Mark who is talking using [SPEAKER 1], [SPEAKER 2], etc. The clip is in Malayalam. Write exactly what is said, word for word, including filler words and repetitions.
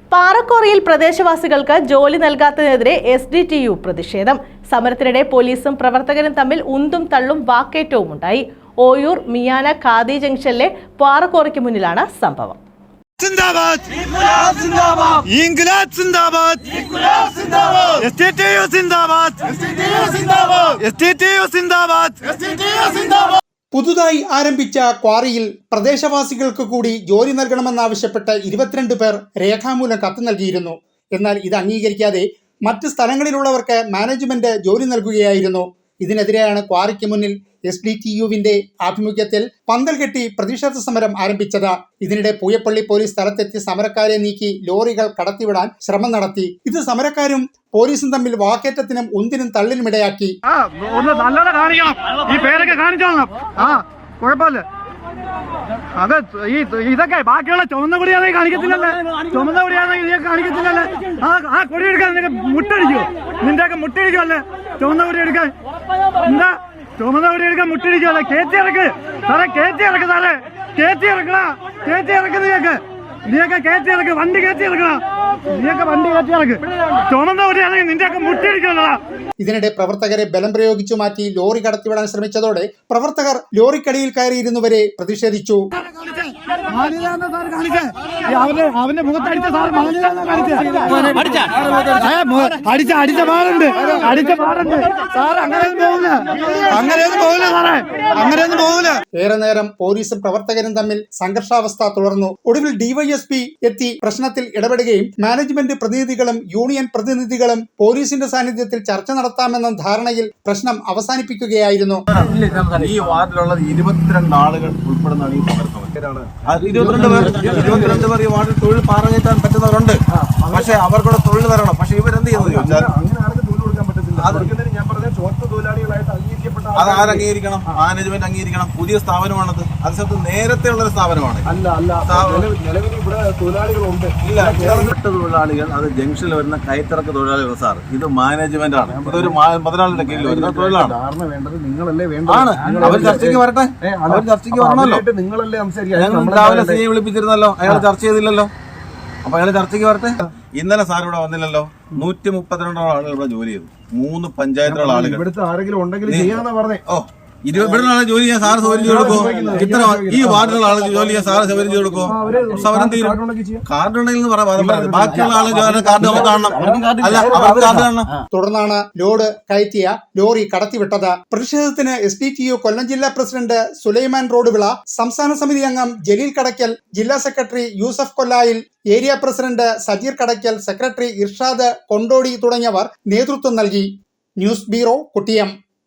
[SPEAKER 1] പാറക്കോറയിൽ പ്രദേശവാസികൾക്ക് ജോലി നൽകാത്തതിനെതിരെ എസ് ഡി ടി യു പ്രതിഷേധം. സമരത്തിനിടെ പോലീസും പ്രവർത്തകരും തമ്മിൽ ഉന്തും തള്ളും വാക്കേറ്റവും ഉണ്ടായി. ഓയൂർ മിയാന ഖാദി ജംഗ്ഷനിലെ പാറക്കോറയ്ക്ക് മുന്നിലാണ് സംഭവം.
[SPEAKER 2] പുതുതായി ആരംഭിച്ച ക്വാറിയിൽ പ്രദേശവാസികൾക്ക് കൂടി ജോലി നൽകണമെന്നാവശ്യപ്പെട്ട് ഇരുപത്തിരണ്ട് പേർ രേഖാമൂലം കത്ത് നൽകിയിരുന്നു. എന്നാൽ ഇത് അംഗീകരിക്കാതെ മറ്റ് സ്ഥലങ്ങളിലുള്ളവർക്ക് മാനേജ്മെന്റ് ജോലി നൽകുകയായിരുന്നു. ഇതിനെതിരെയാണ് ക്വാറിക്ക് മുന്നിൽ എസ് ഡി ടി യുവിന്റെ ആഭിമുഖ്യത്തിൽ പന്തൽ കെട്ടി പ്രതിഷേധ സമരം ആരംഭിച്ചത്. ഇതിനിടെ പൂയപ്പള്ളി പോലീസ് സ്ഥലത്തെത്തി സമരക്കാരെ നീക്കി ലോറികൾ കടത്തിവിടാൻ ശ്രമം നടത്തി. ഇത് സമരക്കാരും പോലീസും തമ്മിൽ വാക്കേറ്റത്തിനും ഉന്തിനും തള്ളിനും ഇടയാക്കി.
[SPEAKER 3] അത് ഈ ഇതൊക്കെ ബാക്കിയുള്ള ചുമന്ന കൊടിയാണെങ്കിൽ കാണിക്കത്തില്ലല്ലേ, ചുമന്ന കൊടിയാണെങ്കിൽ നീ കാണിക്കത്തില്ലല്ലേ. ആ ആ കൊടി എടുക്കാൻ നിനക്ക് മുട്ടടിക്കോ? നിന്റെ ഒക്കെ മുട്ടടിക്കോ അല്ലേ ചുമന്ന കൊടി എടുക്കാൻ? എന്താ ചുമന്ന കൊടി എടുക്കാൻ മുട്ടടിക്കോ അല്ലേ? കയറ്റി ഇറക്ക് സാറേ, കയറ്റി ഇറക്ക് സാറേ, കയറ്റി ഇറക്കണ, കയറ്റി ഇറക്ക് നീയൊക്കെ നീയൊക്കെ കയറ്റി ഇറക്ക്, വണ്ടി കയറ്റി ഇറക്കണ, നീയൊക്കെ വണ്ടി കയറ്റി ഇറക്ക്. ചുമന്ന കൊടിയാണെങ്കിൽ നിന്റെ ഒക്കെ മുട്ടടിക്കോല്ലടാ.
[SPEAKER 2] ഇതിനിടെ പ്രവർത്തകരെ ബലം പ്രയോഗിച്ചു മാറ്റി ലോറി കടത്തിവിടാൻ ശ്രമിച്ചതോടെ പ്രവർത്തകർ ലോറിക്കടിയിൽ കയറിയിരുന്നവരെ പ്രതിഷേധിച്ചു.
[SPEAKER 3] അവന്റെ മുഖത്തടിച്ച സാർ അടിച്ച അടിച്ച പാടുണ്ട് അടിച്ച പാടുണ്ട് സാർ. അങ്ങനെയൊന്നും പോകില്ല, അങ്ങനെയൊന്നും പോകില്ല സാറേ, അങ്ങനെയൊന്നും പോകില്ല.
[SPEAKER 2] ഏറെ നേരം പോലീസും പ്രവർത്തകരും തമ്മിൽ സംഘർഷാവസ്ഥ തുടർന്നു. ഒടുവിൽ ഡിവൈഎസ്പി എത്തി പ്രശ്നത്തിൽ ഇടപെടുകയും മാനേജ്മെന്റ് പ്രതിനിധികളും യൂണിയൻ പ്രതിനിധികളും പോലീസിന്റെ സാന്നിധ്യത്തിൽ ചർച്ച നടത്താമെന്ന ധാരണയിൽ പ്രശ്നം അവസാനിപ്പിക്കുകയായിരുന്നു.
[SPEAKER 4] ഈ വാർഡിലുള്ള ഇരുപത്തിരണ്ട് ആളുകൾ ഉൾപ്പെടുന്നതാണ് ഈ സമരം. ഇരുപത്തിരണ്ട് പേർ ഇരുപത്തിരണ്ട് പേർ ഈ വാർഡിൽ തൊഴിൽ പാറകയറ്റാൻ പറ്റുന്നവരുണ്ട്. പക്ഷെ അവർക്കൂടെ തൊഴിൽ തരണം. പക്ഷെ ഇവരെന്ത് ചെയ്യുന്നത് ചോദിച്ചാൽ അത് ആരംഗീകരിക്കണം? മാനേജ്മെന്റ് അംഗീകരിക്കണം. പുതിയ സ്ഥാപനമാണത്. അതേസമയത്ത് നേരത്തെ ഉള്ളൊരു സ്ഥാപനമാണ്.
[SPEAKER 5] അല്ല അല്ല നിലവിൽ ഇവിടെ തൊഴിലാളികളുണ്ട്.
[SPEAKER 4] ഇല്ല, തൊഴിലാളികൾ അത് ജംഗ്ഷനിൽ വരുന്ന കയറ്റിറക്ക തൊഴിലാളികൾ സാർ. ഇത് മാനേജ്മെന്റ് ആണ്. ഇതൊരു മുതലാളിയുടെ കീഴിൽ വരുന്ന തൊഴിലാണ്.
[SPEAKER 5] ധാരണ വേണ്ടത് നിങ്ങളല്ലേ വേണ്ടത്.
[SPEAKER 4] ആണ്. അവർ ചർച്ചയ്ക്ക് വരട്ടെ, അവർ ചർച്ചയ്ക്ക് വരണമല്ലോ.
[SPEAKER 5] നിങ്ങളല്ലേ സംസാരിക്കുക.
[SPEAKER 4] ഞങ്ങൾ രാവിലെ സിയെ വിളിപ്പിച്ചിരുന്നല്ലോ, അയാൾ ചർച്ച ചെയ്തില്ലല്ലോ. അപ്പൊ അയാൾ ചർച്ചയ്ക്ക് വരട്ടെ. ഇന്നലെ സാർ ഇവിടെ വന്നില്ലല്ലോ. നൂറ്റി മുപ്പത്തിരണ്ടോളം ആളുകൾ ഇവിടെ ജോലി ചെയ്തു. മൂന്ന് പഞ്ചായത്തുള്ള ആളുകൾ.
[SPEAKER 5] ഇവിടുത്തെ ആരെങ്കിലും ഉണ്ടെങ്കിൽ ചെയ്യാന്നാ പറഞ്ഞേ.
[SPEAKER 4] ഓ, ഇരുപത് ആളെ ജോലി ചെയ്യാൻ സാറ് സൗകര്യം ചെയ്ത് കൊടുക്കോ? ഇത്ര ഈ വാർഡിലുള്ള ആളെ ജോലി ചെയ്യാൻ സാറ് സൗകര്യം ചെയ്ത് കൊടുക്കോ? സമരം തീരും. കാർഡ് ഉണ്ടെങ്കിൽ പറയാം, ബാക്കിയുള്ള ആളെ കാർഡ് നമുക്ക് കാണണം. അല്ല, അവർക്ക് കാർഡ് കാണണം.
[SPEAKER 2] തുടർന്നാണ് ലോഡ് കയറ്റിയ ലോറി കടത്തിവിട്ടത്. പ്രതിഷേധത്തിന് S D T U Kollam ജില്ലാ പ്രസിഡന്റ് സുലൈമാൻ റോഡുവിള, സംസ്ഥാന സമിതി അംഗം ജലീൽ കടയ്ക്കൽ, ജില്ലാ secretary Yusuf Kollayil, area president Sajeer Kadakkal, secretary Irshad Kondotty തുടങ്ങിയവർ നേതൃത്വം നൽകി. News bureau, കുട്ടിയം.